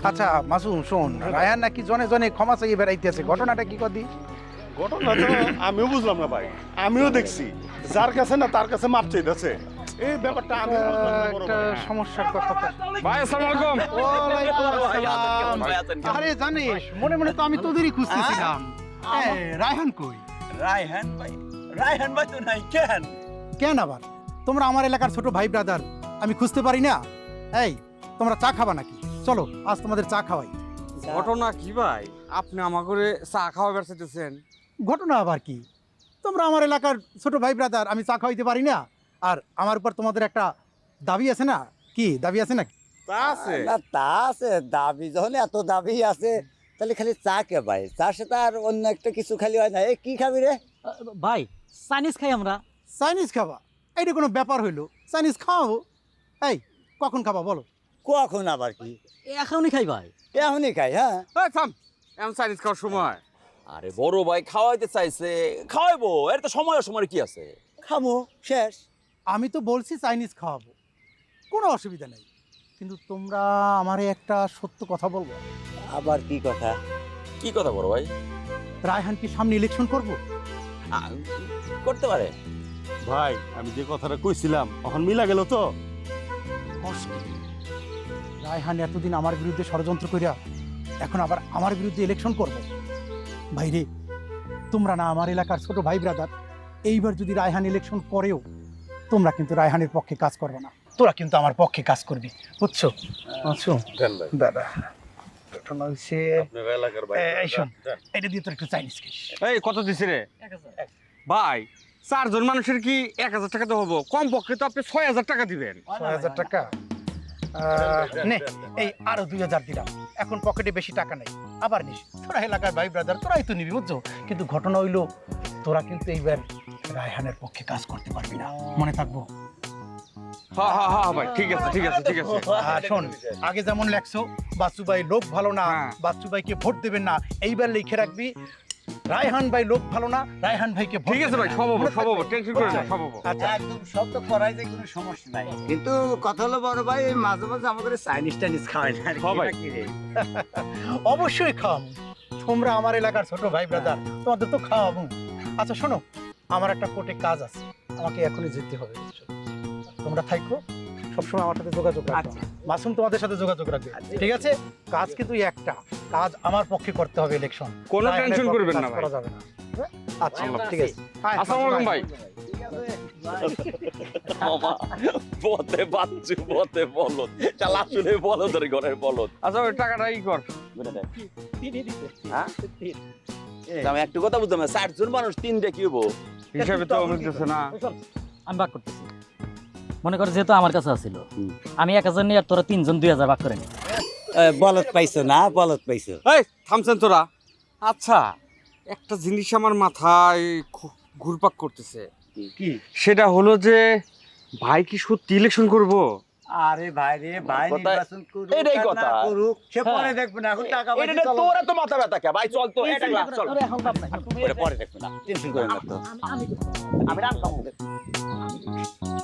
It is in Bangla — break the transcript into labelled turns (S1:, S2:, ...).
S1: আচ্ছা মাসুম শোন, রায়হান নাকি জনে জনে ক্ষমা চাইয়ে বেড়াইতেছে, ঘটনাটা কি কদি?
S2: ঘটনা তো আমিও বুঝলাম না ভাই, আমিও দেখছি যার কাছে না তার কাছে মাপ চাইতেছে। এই ব্যাপারটা আমি
S1: একটা সমস্যার কথা তো।
S3: ভাই আসসালামু আলাইকুম।
S1: ওয়ালাইকুম আসসালাম। আরে জানিস মনে মনে তো আমি তোদেরই খুঁজতেছিলাম। রায়হান কই?
S4: রায়হান ভাই তো নাই কেন?
S1: কেন আবার? তোমরা আমার এলাকার ছোট ভাই ব্রাদার, আমি খুঁজতে পারি না? এই তোমরা চা খাবা নাকি? চলো আজ তোমাদের চা খাওয়াই।
S3: ঘটনা কি ভাই, আপনি আমাকে চা খাওয়া বেড়াইতেছেন?
S1: ঘটনা আবার কি? তোমরা আমার এলাকার ছোট ভাই ব্রাদার, আমি চা খাওয়াইতে পারি না? আর আমার উপর তোমাদের একটা দাবি আছে না? কি দাবি আছে না?
S3: তা আছে
S4: না তা আছে, দাবি যখন এত দাবি আছে তাহলে খালি চা কে ভাই? চার সাথে আর অন্য একটা কিছু খালি হয় না। এই কি খাবি রে?
S5: ভাই চাইনিজ খাই আমরা।
S1: চাইনিজ খাবা? এইটা কোনো ব্যাপার হইলো? চাইনিজ খাও? এই কখন খাবা বলো?
S4: কখন আবার কি?
S5: এখনই খাই ভাই।
S4: এখনই খাই। হ্যাঁ
S3: এই থাম, এমন চাইনিজ খাওয়ার সময়?
S6: আরে বড় ভাই খাওয়াইতে চাইছে, খাওয়াইবো, এর তো সময় সময় কি আছে?
S4: খামো শেষ।
S1: আমি তো বলছি চাইনিজ খাওয়াবো, কোনো অসুবিধা নেই, কিন্তু তোমরা আমারে একটা সত্য কথা বলবো।
S4: আবার কি কথা?
S6: কি কথা বড় ভাই?
S1: রায়হান কি সামনে ইলেকশন করবো?
S6: করতে পারে।
S2: ভাই আমি যে কথাটা কইছিলাম এখন মিলা গেল তো।
S1: কষ্ট। রায়হান এতদিন আমার বিরুদ্ধে ষড়যন্ত্র করিয়া এখন আবার আমার বিরুদ্ধে ইলেকশন করবে। ভাইরে, তোমরা না আমার এলাকার ছোট ভাই ব্রাদার, এইবার যদি রায়হান ইলেকশন করেও তোমরা কিন্তু রায়হানের পক্ষে কাজ করবে না, তোরা কিন্তু আমার পক্ষে কাজ করবি, বুঝছো? বুঝছো দাদা? ঘটনা হচ্ছে এই শোন, এটা দিয়ে তোর একটু চাইনিজ খাইস।
S3: এই কত দিছে রে ভাই? চারজন মানুষের কি 1000 টাকা তো হবো? কম পক্ষে তো আপনি 6000 টাকা দিবেন।
S1: 6000 টাকা নে, এই আরো 2000 দিলাম। এখন পকেটে বেশি টাকা নেই, আবার নিস। তোরা এলাকার ভাই ব্রাদার, তোরাই তো নিবি, বুঝছো? কিন্তু ঘটনা হইলো তোরা কিন্তু এইবার রায়হানের পক্ষে কাজ করতে পারবি না, মনে থাকবো।
S3: হ্যাঁ হ্যাঁ হ্যাঁ ভাই, ঠিক আছে ঠিক আছে ঠিক আছে।
S1: আর শোন, আগে যেমন লেখছো বাচ্চু ভাই লোক ভালো না,
S3: হ্যাঁ।
S1: বাচ্চু ভাইকে ভোট দেবেন না, এইবার লিখে রাখবি রায়হান ভাই লোক ভালো না, রায়হান ভাইকে ভোট
S3: ঠিক আছে ভাই,
S1: দেবেন না।
S3: সব হবো
S1: মনে
S3: সব হবো,
S1: থাকবে?
S3: টেনশন করেন না, সব হবো।
S1: আচ্ছা
S4: একদম সব তো করাই যায়, কোনো সমস্যা নাই। কিন্তু কথা হলো বড় ভাই, এই মাঝে মাঝে আমাদের চাইনিজ টাইনিজ খাওয়াই না।
S3: হ্যাঁ ভাই।
S4: কি রে?
S1: অবশ্যই খাও, তোমরা আমার এলাকার ছোট ভাই ব্রাদার, তোমাদের তো খাওয়াবো। আচ্ছা শোনো, আমার একটা কোর্টে কাজ আছে, আমাকে এখনই যেতে হবে, বুঝছো? তোমরা থাকো, সবসময় আমার সাথে যোগাযোগ রাখো। মাসুম তোমাদের সাথে যোগাযোগ রাখবে, ঠিক আছে? কাজ কিন্তু একটা, কাজ আমার পক্ষে করতে হবে, ইলেকশন।
S3: কোনো
S1: রায়হানের
S3: টেনশন
S1: পক্ষে
S3: করবেন
S1: কাজ
S3: না ভাই।
S1: করা যাবে না। আচ্ছা ঠিক আছে।
S3: আসসালামু আলাইকুম ভাই।
S6: মামা বতে বাচ্চু বতে বলদ, চাল আসলে বলদের ঘরের বলদ।
S3: আচ্ছা ওই টাকাটা ই কর।
S6: বুঝলে না? হ্যাঁ? আমি একটু কথা বুঝতাম না, 60 জন মানুষ 3 কি হবো?
S3: হিসাবে তো বুঝতেছে না।
S5: আমি ভাগ করতেছি। মনে কর যেহেতু আমার কাছে আছিল, আমি 1000 নিয়ে আর তোরা 3জন 2000 ভাগ করে নি।
S4: বলদ পাইছো না? বলদ পাইছো?
S3: এই থামছেন তোরা? আচ্ছা একটা জিনিস আমার মাথায় ঘুরপাক করতেছে,
S4: কি?
S3: সেটা হলো যে ভাই কি সত্যি ইলেকশন করবো?
S4: আরে ভাই রে ভাই,
S6: কথা-
S4: নির্বাচন করুক
S6: এটাই
S4: আর
S6: কথা।
S4: না করুক সে পরে দেখবে না, এখন টাকা পয়সা চলো।
S6: তোরা তো মাথা ব্যথা কে ভাই? চল তো, এটা চল।
S5: তোরা এখন ভাব নাই।
S6: পরে দেখবে না, টেনশন করেন না তো।
S5: আমি
S6: আমি রাম খাবো।